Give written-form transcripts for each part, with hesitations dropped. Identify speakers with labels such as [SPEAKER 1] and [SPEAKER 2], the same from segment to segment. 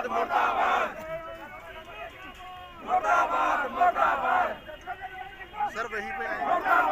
[SPEAKER 1] Sir वहीं पे आए।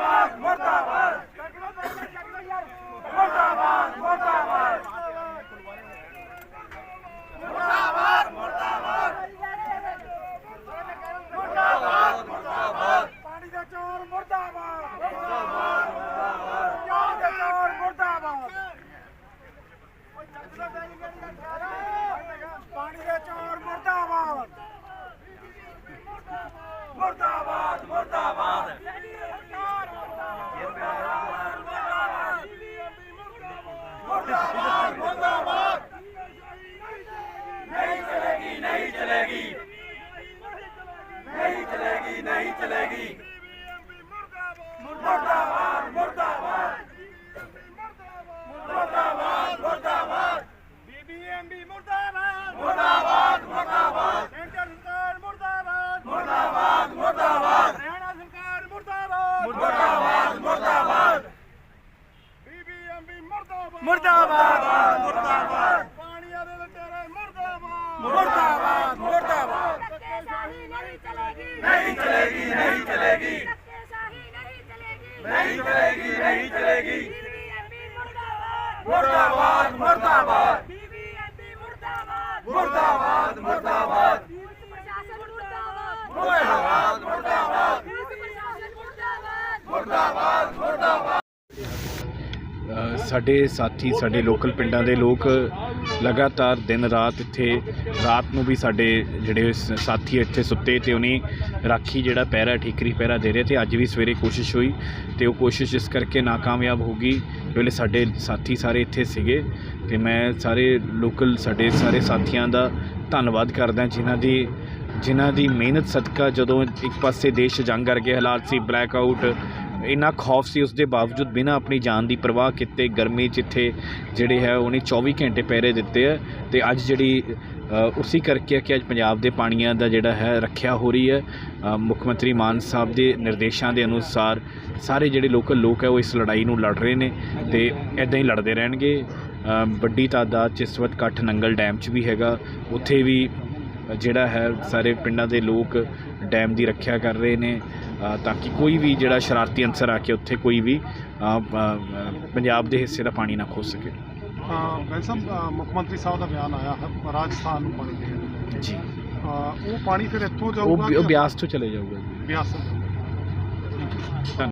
[SPEAKER 1] नहीं चलेगी। मुर्दाबाद मुर्दाबाद मुर्दाबाद मुर्दाबाद बीबीएमबी मुर्दाबाद मुर्दाबाद मुर्दाबाद सेंटर सरकार मुर्दाबाद मुर्दाबाद मुर्दाबाद हरियाणा सरकार मुर्दाबाद मुर्दाबाद मुर्दाबाद बीबीएमबी मुर्दाबाद मुर्दाबाद मुर्दाबाद पानिया दे लुटेरे मुर्दाबाद मुर्दाबाद मुर्दाबाद नहीं चलेगी नहीं चलेगी नहीं चलेगी नहीं चलेगी मुर्दाबाद मुर्दाबाद मुर्दाबाद मुर्दाबाद मुर्दाबाद मुर्दाबाद मुर्दाबाद मुर्दाबाद।
[SPEAKER 2] ਸਾਡੇ ਸਾਥੀ ਸਾਡੇ ਲੋਕਲ ਪਿੰਡਾਂ ਦੇ ਲੋਕ ਲਗਾਤਾਰ ਦਿਨ ਰਾਤ ਇੱਥੇ ਰਾਤ ਨੂੰ ਵੀ ਸਾਡੇ ਜਿਹੜੇ ਸਾਥੀ ਇੱਥੇ ਸੁੱਤੇ ਤੇ ਉਹਨੇ ਰਾਖੀ ਜਿਹੜਾ ਪਹਿਰਾ ਠੀਕਰੀ ਪਹਿਰਾ ਦੇ ਰਹੇ ਤੇ ਅੱਜ ਵੀ ਸਵੇਰੇ ਕੋਸ਼ਿਸ਼ ਹੋਈ ਤੇ ਉਹ ਕੋਸ਼ਿਸ਼ ਇਸ ਕਰਕੇ ਨਾਕਾਮਯਾਬ ਹੋ ਗਈ। ਵੇਲੇ ਸਾਡੇ ਸਾਥੀ ਸਾਰੇ ਇੱਥੇ ਸੀਗੇ ਤੇ ਮੈਂ ਸਾਰੇ ਲੋਕਲ ਸਾਡੇ ਸਾਰੇ ਸਾਥੀਆਂ ਦਾ ਧੰਨਵਾਦ ਕਰਦਾ ਜਿਨ੍ਹਾਂ ਦੀ ਮਿਹਨਤ ਸਦਕਾ ਜਦੋਂ ਇੱਕ ਪਾਸੇ ਦੇਸ਼ ਜੰਗ ਵਰਗੇ ਹਾਲਾਤ ਸੀ, ਬਲੈਕ ਆਊਟ, ਇੰਨਾ ਖੌਫ ਸੀ, ਉਸ ਦੇ ਬਾਵਜੂਦ ਬਿਨਾਂ ਆਪਣੀ ਜਾਨ ਦੀ ਪਰਵਾਹ ਕੀਤੇ ਗਰਮੀ 'ਚ ਇੱਥੇ ਜਿਹੜੇ ਹੈ ਉਹਨੇ 24 ਘੰਟੇ ਪਹਿਰੇ ਦਿੱਤੇ ਹੈ ਤੇ ਅੱਜ ਜਿਹੜੀ ਉਸੇ ਕਰਕੇ ਕਿ ਅੱਜ ਪੰਜਾਬ ਦੇ ਪਾਣੀਆਂ ਦਾ ਜਿਹੜਾ ਹੈ ਰੱਖਿਆ ਹੋ ਰਹੀ ਹੈ। ਮੁੱਖ ਮੰਤਰੀ ਮਾਨ ਸਾਹਿਬ ਦੇ ਨਿਰਦੇਸ਼ਾਂ ਦੇ ਅਨੁਸਾਰ ਸਾਰੇ ਜਿਹੜੇ ਲੋਕਲ ਲੋਕ ਹੈ ਉਹ ਇਸ ਲੜਾਈ ਨੂੰ ਲੜ ਰਹੇ ਨੇ ਤੇ ਇੱਦਾਂ ਹੀ ਲੜਦੇ ਰਹਿਣਗੇ। ਵੱਡੀ ਤਾਦਾਦ 'ਚ ਇਸ ਵਕਤ ਇਕੱਠ ਨੰਗਲ ਡੈਮ 'ਚ ਵੀ ਹੈਗਾ, ਉੱਥੇ ਵੀ ਜਿਹੜਾ ਹੈ ਸਾਰੇ ਪਿੰਡਾਂ ਦੇ ਲੋਕ ਡੈਮ ਦੀ ਰੱਖਿਆ ਕਰ ਰਹੇ ਨੇ ਤਾਂ ਕਿ ਕੋਈ ਵੀ ਜਿਹੜਾ ਸ਼ਰਾਰਤੀ ਅਨਸਰ ਆ ਕੇ ਉੱਥੇ ਕੋਈ ਵੀ ਪੰਜਾਬ ਦੇ ਹਿੱਸੇ ਦਾ ਪਾਣੀ ਨਾ ਖੋ ਸਕੇ।
[SPEAKER 3] ਵੈਸੇ ਮੁੱਖ ਮੰਤਰੀ ਸਾਹਿਬ ਦਾ ਬਿਆਨ ਆਇਆ ਹੈ ਰਾਜਸਥਾਨ ਨੂੰ ਪਾਣੀ ਦੇਣ
[SPEAKER 2] ਜੀ,
[SPEAKER 3] ਉਹ ਪਾਣੀ ਫਿਰ ਇੱਥੋਂ ਜਾਊਗਾ,
[SPEAKER 2] ਉਹ ਬਿਆਸ ਤੋਂ ਚਲੇ ਜਾਊਗਾ ਜੀ,
[SPEAKER 3] ਬਿਆਸ ਤੋਂ।